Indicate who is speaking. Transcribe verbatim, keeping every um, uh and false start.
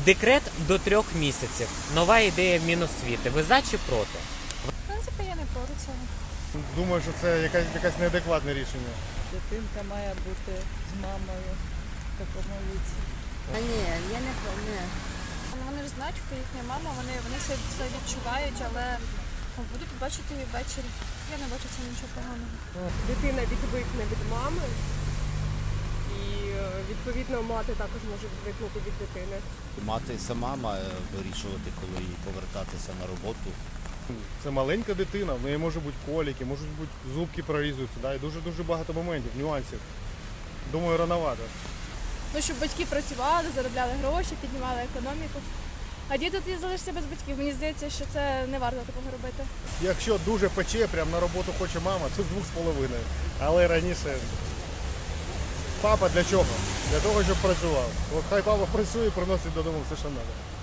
Speaker 1: Декрет до трьох місяців. Нова ідея Міносвіти. Ви за чи проти?
Speaker 2: В принципі, я не проти цього.
Speaker 3: Думаю, що це якась, якась неадекватне рішення.
Speaker 4: Дитинка має бути з мамою в такому віці.
Speaker 5: А ні, я не не.
Speaker 2: Вони ж знають, хто їхня мама, вони, вони все, все відчувають, але будуть бачити її ввечері. Я не бачу цього нічого поганого.
Speaker 6: Дитина відвикне від мами, і відповідно мати також може відвикнути від дитини.
Speaker 7: Мати сама має вирішувати, коли їй повертатися на роботу.
Speaker 3: Це маленька дитина, в неї можуть бути коліки, можуть бути зубки прорізуються, да? І дуже-дуже багато моментів, нюансів. Думаю, рановато.
Speaker 8: Ну, щоб батьки працювали, заробляли гроші, піднімали економіку. А діти тоді залишаться без батьків. Мені здається, що це не варто такого робити.
Speaker 3: Якщо дуже пече, прямо на роботу хоче мама, то з двох з половиною. Але раніше папа для чого? Для того, щоб працював. От хай папа працює і приносить додому все, що треба.